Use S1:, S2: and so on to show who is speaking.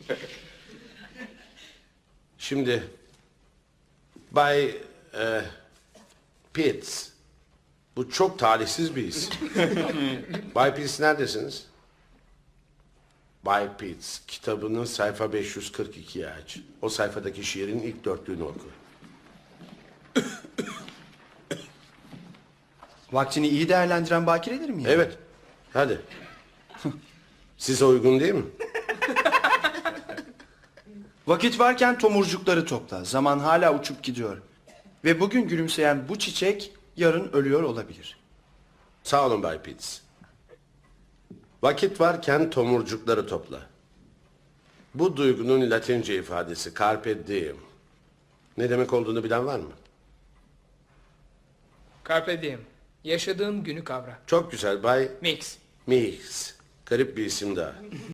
S1: Şimdi Bay Pitts. Bu çok talihsiz bir isim. Bay Pitts neredesiniz? Bay Pitts kitabının sayfa 542'yi aç. O sayfadaki şiirin ilk dörtlüğünü oku.
S2: Vaktini iyi değerlendiren bakiredir mi?
S1: Evet. Hadi. Size uygun değil mi?
S2: Vakit varken tomurcukları topla. Zaman hala uçup gidiyor. Ve bugün gülümseyen bu çiçek yarın ölüyor olabilir.
S1: Sağ olun Bay Pitts. Vakit varken tomurcukları topla. Bu duygunun Latince ifadesi carpe diem. Ne demek olduğunu bilen var mı?
S3: Carpe diem. Yaşadığın günü kavra.
S1: Çok güzel Bay
S3: Mix.
S1: Mix. Garip bir isim daha.